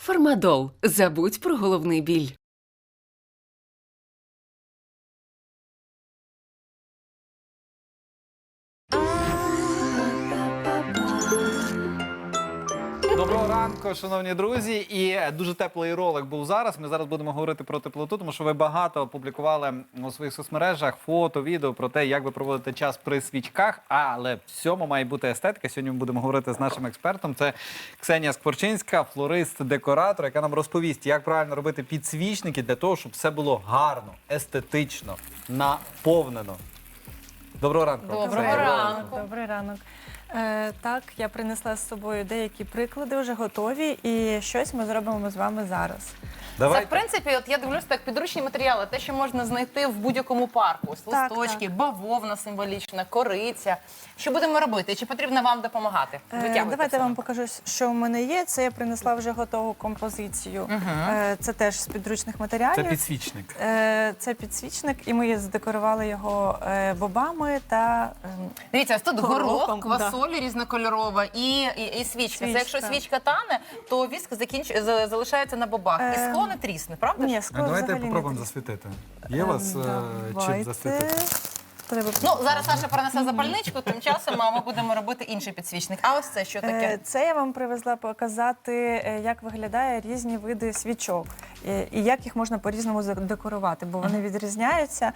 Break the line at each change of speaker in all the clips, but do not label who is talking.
Фармадол. Забудь про головний біль.
Доброго ранку, шановні друзі. І дуже теплий ролик був зараз. Ми зараз будемо говорити про теплоту, тому що ви багато опублікували у своїх соцмережах фото, відео про те, як ви проводите час при свічках. Але в цьому має бути естетика. Сьогодні ми будемо говорити з нашим експертом. Це Ксенія Скворчинська, флорист-декоратор, яка нам розповість, як правильно робити підсвічники для того, щоб все було гарно, естетично, наповнено. Доброго ранку.
Доброго ранку.
Добрий ранок. Так, я принесла з собою деякі приклади, вже готові, і щось ми зробимо з вами зараз.
Це, в принципі, от я дивлюся, так, підручні матеріали, те, що можна знайти в будь-якому парку. Ось
Так,
листочки, бавовна символічна, кориця. Що будемо робити? Чи потрібно вам допомагати? Витягуйте
Давайте
все.
я вам покажу, що в мене є. Це я принесла вже готову композицію. Це теж з підручних матеріалів.
Це підсвічник.
Це підсвічник, і ми задекорували його бобами та
Дивіться, ось тут горох,
горохом,
квасоль різнокольорова і свічка. Це якщо свічка тане, то віск залишається на бобах. І скло не трісне, правда?
Ні,
А
скло
давайте
взагалі не
попробуємо
трісне.
засвітити. Є у вас чим
Давайте.
засвітити?
Треба-
Ну, зараз Саша принесе запальничку, тим часом ми будемо робити інший підсвічник. А ось це що таке?
Це я вам привезла показати, як виглядає різні види свічок і як їх можна по-різному задекорувати, бо вони відрізняються.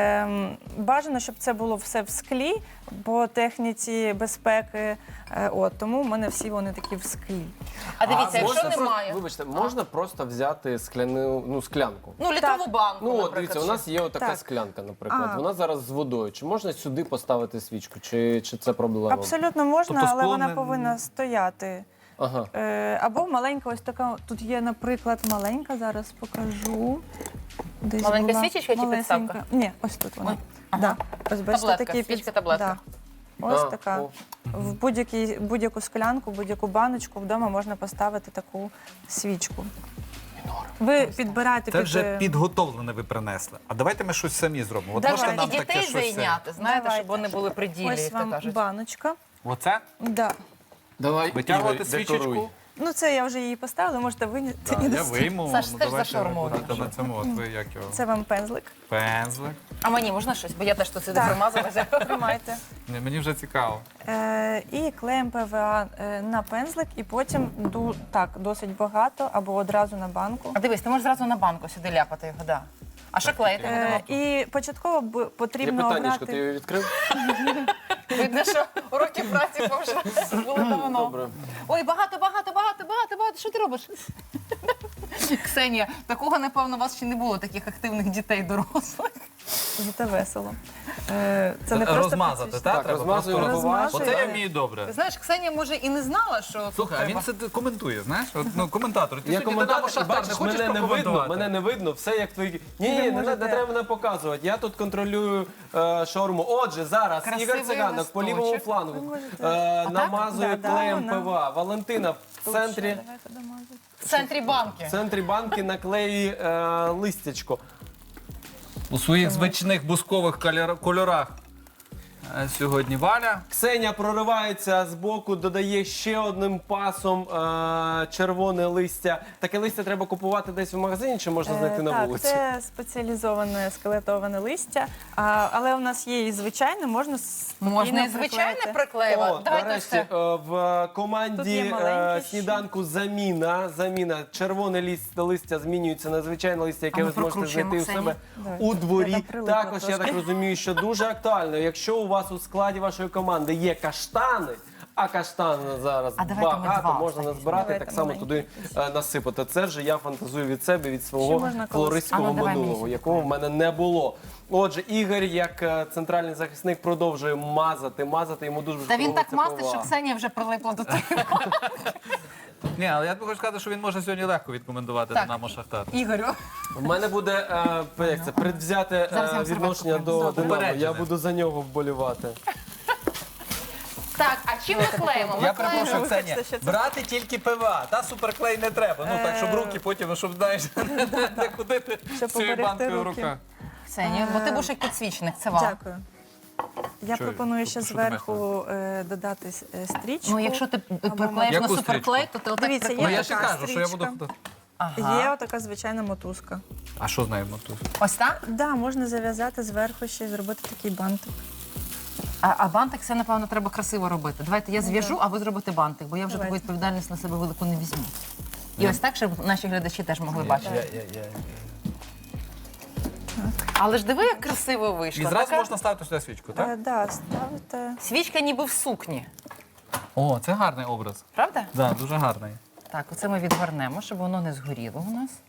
Бажано, щоб це було все в склі, по техніці безпеки. Тому в мене всі вони такі в склі.
А дивіться, якщо
Можна
немає.
Вибачте, можна просто взяти склянку.
Ну, літрову банку,
Ну, от
наприклад.
дивіться, у нас є отака
Так.
склянка, наприклад.
А.
Вона зараз з водою. Чи можна сюди поставити свічку, чи це проблема?
Абсолютно можна,
Тобто
але
скло
вона
не-
повинна стояти.
Ага.
Або маленька, ось така, тут є, наприклад, маленька, зараз покажу. Десь
Маленька
була
свічечка чи
малесенька.
підставка?
Ні, ось тут вона.
Ой, ага.
Да. Ось бачите,
Таблетка,
такі
свічка, таблетка.
Да. Ось
А,
така.
о.
В будь-яку склянку, будь-яку баночку вдома можна поставити таку свічку. Ви підбираєте
Це вже підготовлене ви принесли. А давайте ми щось самі зробимо. От можете
Давай,
нам
і
таке
дітей
щось...
зайняти, знаєте,
Давайте.
щоб вони були при ділі,
Ось
як то
вам
кажуть.
баночка.
Оце?
Да.
Давай,
Витягувати
Ігор,
свічечку?
декоруй.
Ну, це я вже її поставила, можете виняти.
Так,
і
я
достати.
вийму.
Саш, ти ж
давайте
за шаурму
ви будете
робиш.
на цьому. От ви як його?
Це вам пензлик.
Пензлик.
А мені можна щось? Бо я теж тут сюди
Так.
примазалася.
Тримайте.
Ні, мені вже цікаво.
І клеїмо ПВА на пензлик, і потім так, досить багато, або одразу на банку.
А дивись, ти можеш зразу на банку сюди ляпати його, да. А що клеїти будемо?
І початково
Є
потрібно
питаннячко, ти
обрати...
його відкрив?
Видно, що уроки праці вже були давно.
Добре.
Ой, багато. Що ти робиш? Ксенія, такого, напевно, у вас ще не було, таких активних дітей дорослих.
Зате весело. Це не просто
Розмазати,
підсвічник.
так?
Так,
Треба
розмазуємо
просто
бувач.
Оце я вмію добре.
Ти знаєш, Ксенія, може, і не знала, що
Слухай, а
тут
він
треба.
це коментує, знаєш? От, ну, коментатор. Ти
Я
сьогодні
коментатор,
Динамо
і
Шахтар,
бачиш,
хочеш
мене не видно,
прокоментувати?
мене не видно, все як твої... Ні, не
можете.
треба мене показувати. Я тут контролюю шаурму. Отже, зараз
Красивий
Ігор Циганок по лівому
листочок.
флангу
можете.
намазує
Да,
клеєм
вона.
ПВА. Валентина в центрі...
Давайте домазати.
В центрі банки.
В центрі банки наклеює листячко.
У своїх звичних бускових кольорах. Сьогодні Валя.
Ксенія проривається з боку, додає ще одним пасом червоне листя. Таке листя треба купувати десь в магазині чи можна знайти на
Так,
вулиці?
це спеціалізоване скелетоване листя, але у нас є і звичайне, можна спокійно
Можна і звичайне
приклеїти.
приклеювати.
О,
Давайте
нарешті,
все.
в
Тут
команді
є маленьке ще.
сніданку заміна. Червоне листя змінюється на звичайне листя, яке
А ми
ви зможете
прокручуємо,
знайти у
Ксенія.
себе
Давай.
у дворі.
Я там прилипла
Також, я так
трошки.
розумію, що дуже актуально, якщо у вас у складі вашої команди є каштани, а каштани зараз
А давайте ми
багато,
два
можна
останні
назбирати,
Давайте
так само
маленькі.
туди насипати. Це вже я фантазую від себе, від
Ще
свого
можна колись.
флористського
А ну, давай
минулого,
мені.
якого в мене не було. Отже, Ігор, як центральний захисник, продовжує мазати, йому дуже
Та він так
подобається
мастить,
ПВА.
що Ксенія вже прилипла до тебе.
Ні, але я хочу сказати, що він може сьогодні легко відкомендувати
Так.
Динамо Шахтар.
Ігорю.
У мене буде як це, предвзяте
Зараз я вам
відношення
серветку
до
принесу.
Динамо.
Упереджене.
Я буду за нього вболівати.
Так, а чим ми клеїмо? Ми
Я
клеїмо.
перепрошую,
Вибачте,
Ксенія,
що це?
брати тільки ПВА, та суперклей не треба. Ну так, щоб руки потім, щоб знаєш, не ходити
Щоб
з цією
поберегти
банкою в
руки.
руках.
Ксенія, бо ти будеш як підсвічник, це вам.
Дякую. Я
Що-
пропоную ще
що ти маєш
зверху додати стрічку.
Ну, якщо ти
або
приклеїш на
Яку
суперклей, то ти отак
Дивіться, є
Ну, я
приклеїш.
ще
така
кажу, що я буду...
стрічка.
Ага.
Є отака звичайна мотузка.
А що з нею мотуз?
Ось так?
Да, можна зав'язати зверху ще й зробити такий бантик.
А бантик це, напевно, треба красиво робити. Давайте я зв'яжу, а ви зробите бантик, бо я вже таку
Давайте.
відповідальність на себе велику не візьму. І ось так, щоб наші глядачі теж могли бачити. Але ж диви, як красиво вийшло.
І зразу
Така
можна ставити сюди свічку, так?
Да, ставите.
свічка ніби в сукні.
О, це гарний образ.
Правда?
Да, дуже гарний.
Так, оце ми відгорнемо, щоб воно не згоріло у нас.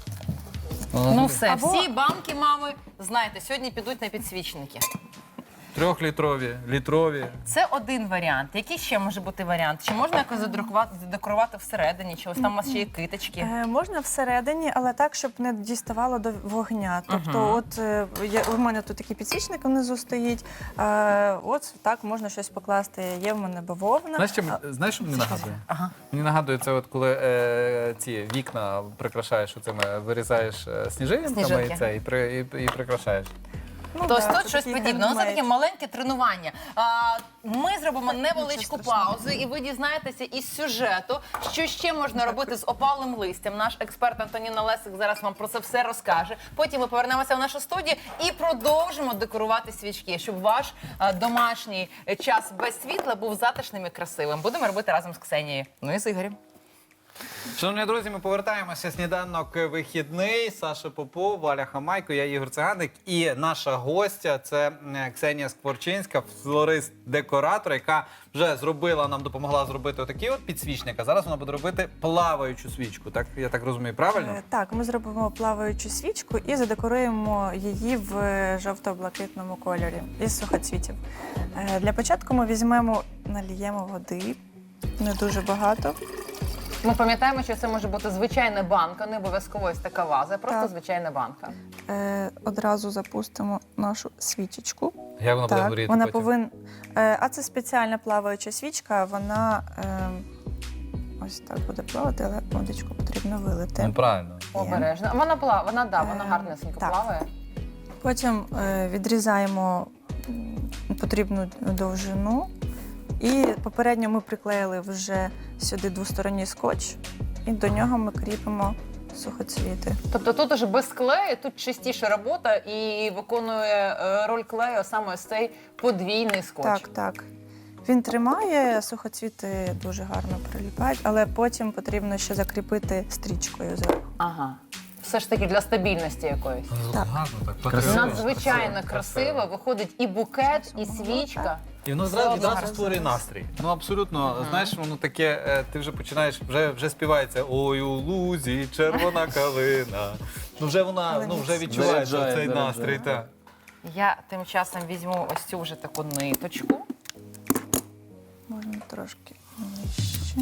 Ну все,
Або-
всі банки, мами, знаєте, сьогодні підуть на підсвічники.
3-літрові, літрові.
Це один варіант. Який ще може бути варіант? Чи можна якось задекорувати всередині? Чи ось там у вас ще є киточки?
Можна всередині, але так, щоб не діставало до вогня. Тобто, от у мене тут такий підсвічник внизу стоїть. От так можна щось покласти. Є в мене бавовна.
Знаєш, що мені нагадує?
Ага.
Мені нагадує це, от коли ці вікна прикрашаєш оцими, вирізаєш сніжинками
Сніжинки.
і це, і прикрашаєш.
Ну,
Тобто
да,
тут
це
щось
такий
подібне. Ну, це
хендмейд.
таке маленьке тренування. Ми зробимо невеличку паузу, і ви дізнаєтеся із сюжету, що ще можна робити з опалим листям. Наш експерт Антоніна Лесик зараз вам про це все розкаже. Потім ми повернемося в нашу студію і продовжимо декорувати свічки, щоб ваш домашній час без світла був затишним і красивим. Будемо робити разом з Ксенією. Ну і з Ігорем.
Шановні друзі, ми повертаємося. Сніданок вихідний. Саша Попов, Валя Хамайко, я Ігор Циганик. І наша гостя – це Ксенія Скворчинська, флорист-декоратор, яка вже зробила, нам допомогла зробити отакий от підсвічник. А зараз вона буде робити плаваючу свічку. Так, я так розумію, правильно?
Так, ми зробимо плаваючу свічку і задекоруємо її в жовто-блакитному кольорі із сухоцвітів. Для початку ми візьмемо, наліємо води, не дуже багато.
Ми пам'ятаємо, що це може бути звичайна банка, не обов'язково ось така ваза, просто
Так.
звичайна банка.
Одразу запустимо нашу свічечку.
Як вона буде
Так,
горіти
вона
потім?
повинна. А це спеціальна плаваюча свічка, вона ось так буде плавати, але водичку потрібно вилити.
Ну, правильно.
Обережно. Вона вона гарнесенько
так.
плаває.
Потім відрізаємо потрібну довжину. І попередньо ми приклеїли вже сюди двосторонній скотч, і до нього ми кріпимо сухоцвіти.
Тобто тут уже без клею, тут чистіша робота і виконує роль клею саме ось цей подвійний скотч.
Так, так. Він тримає, сухоцвіти дуже гарно приліпають, але потім потрібно ще закріпити стрічкою зверху.
Ага. Все ж таки для стабільності якоїсь.
Так.
Гарно, так.
Красиво.
Надзвичайно красиво. Виходить і букет, і свічка.
І воно
Все
відразу
одно.
створює настрій. Ну абсолютно, знаєш, воно таке, ти вже починаєш, вже співається ой у лузі, червона калина. Ну вже вона, вже відчувається
Заряджає,
цей
заряджає.
настрій. Так.
Я тим часом візьму ось цю вже таку ниточку.
Можна трошки нижче.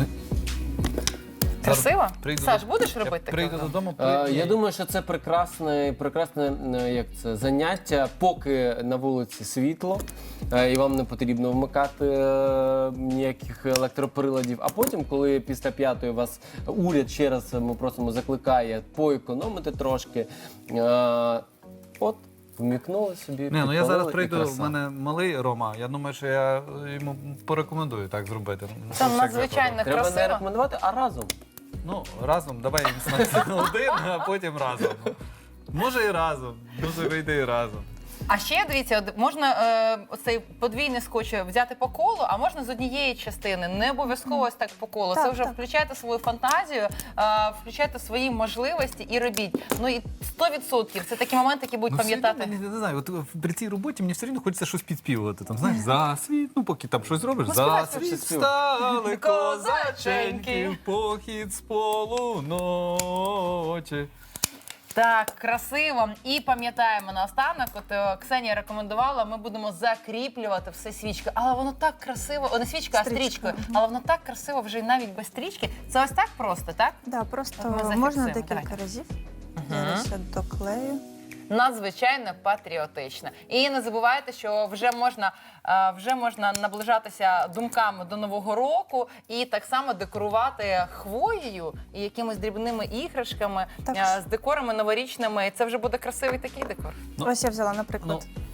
Красиво?
Прийду
Саш,
до-
будеш
Я
робити
прийду
таке?
додому,
Я думаю, що це прекрасне як це, заняття, поки на вулиці світло, і вам не потрібно вмикати ніяких електроприладів. А потім, коли після 5-ї вас уряд ще раз, ми просимо, закликає поекономити трошки, от вмікнули собі.
Не, ну я
підпалили,
зараз
і
прийду,
краса.
в мене малий Рома, я думаю, що я йому порекомендую так зробити.
Це
Як
надзвичайно
Треба не
красиво.
рекомендувати, а разом.
Ну, разом, давай один, а потім разом. Може і разом, може вийде і разом.
А ще дивіться, можна оцей подвійний скотч взяти по колу, а можна з однієї частини. Не обов'язково ось так по колу. Це
Так,
вже
так.
включайте свою фантазію, включайте свої можливості і робіть. Ну і 100% це такі моменти, які будуть пам'ятати.
Ну, не знаю, от при цій роботі мені все одно хочеться щось підспівувати. Там, знаєш, за світ, ну поки там щось робиш,
Ну,
за
співай,
світ
співай.
стали
Козаченьки,
козаченьки, в похід з полуночі.
Так, красиво. І пам'ятаємо наостанок, от Ксенія рекомендувала, ми будемо закріплювати все свічкою. Але воно так красиво, о, не свічкою, а
Стрічкою.
стрічкою. Але воно так красиво вже і навіть без стрічки. Це ось так просто, так?
Да,
От
просто
ми зафіксуємо,
можна декілька
давайте.
разів. Зараз я доклею.
Надзвичайно патріотична. І не забувайте, що вже можна наближатися думками до Нового року і так само декорувати хвоєю і якимись дрібними іграшками,
Так.
з декорами новорічними. І це вже буде красивий такий декор.
Ну,
Ось я взяла, наприклад,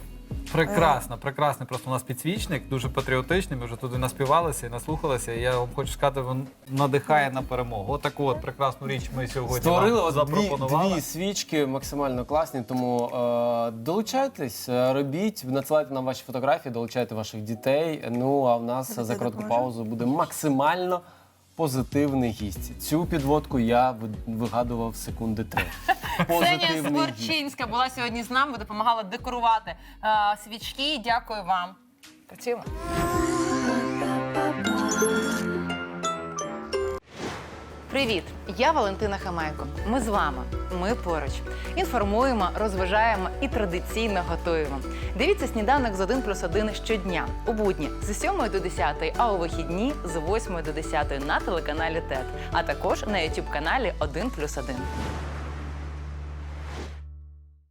Прекрасно, прекрасний просто у нас підсвічник, дуже патріотичний. Ми вже туди наспівалися і наслухалися. І я вам хочу сказати, він надихає на перемогу. Отаку от прекрасну річ ми сьогодні
Створили
вам
от
запропонували.
дві свічки максимально класні, тому долучайтесь, робіть, надсилайте нам ваші фотографії, долучайте ваших дітей. Ну а в нас за коротку паузу буде максимально позитивний гість. Цю підводку я вигадував секунди 3.
Ксенія
Позитивний гість.
Скворчинська була сьогодні з нами, допомагала декорувати свічки. Дякую вам. Працюємо. Привіт! Я Валентина Хамайко. Ми з вами. Ми поруч. Інформуємо, розважаємо і традиційно готуємо. Дивіться «Сніданок з 1+1» щодня. У будні з 7 до 10, а у вихідні з 8 до 10 на телеканалі ТЕТ. А також на YouTube-каналі 1+1.